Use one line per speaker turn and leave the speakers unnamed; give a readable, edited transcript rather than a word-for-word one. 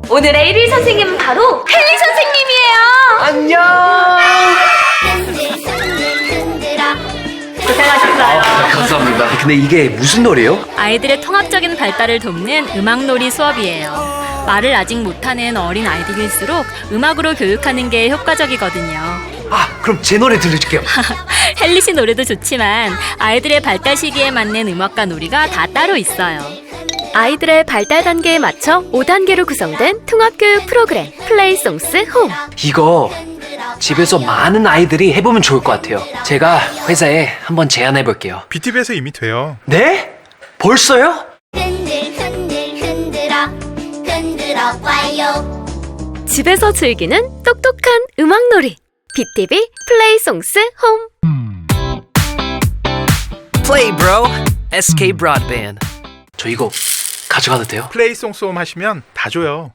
오늘의 1일 선생님은 바로 헨리 선생님이에요. 고생하셨어요.
감사합니다. 근데 이게 무슨 노래요?
아이들의 통합적인 발달을 돕는 음악놀이 수업이에요. 말을 아직 못하는 어린 아이들일수록 음악으로 교육하는 게 효과적이거든요.
그럼 제 노래 들려줄게요.
헨리 씨 노래도 좋지만 아이들의 발달 시기에 맞는 음악과 놀이가 다 따로 있어요.
아이들의 발달 단계에 맞춰 5단계로 구성된 통합교육 프로그램 플레이송스 홈.
이거 집에서 많은 아이들이 해보면 좋을 것 같아요. 제가 회사에 한번 제안해볼게요.
BTV에서 이미 돼요.
네? 벌써요?
흔들어 봐요.
집에서 즐기는 똑똑한 음악놀이 BTV 플레이송스 홈.
Play bro. SK Broadband. 저 이거 가져가도 돼요?
플레이송송 하시면 다 줘요.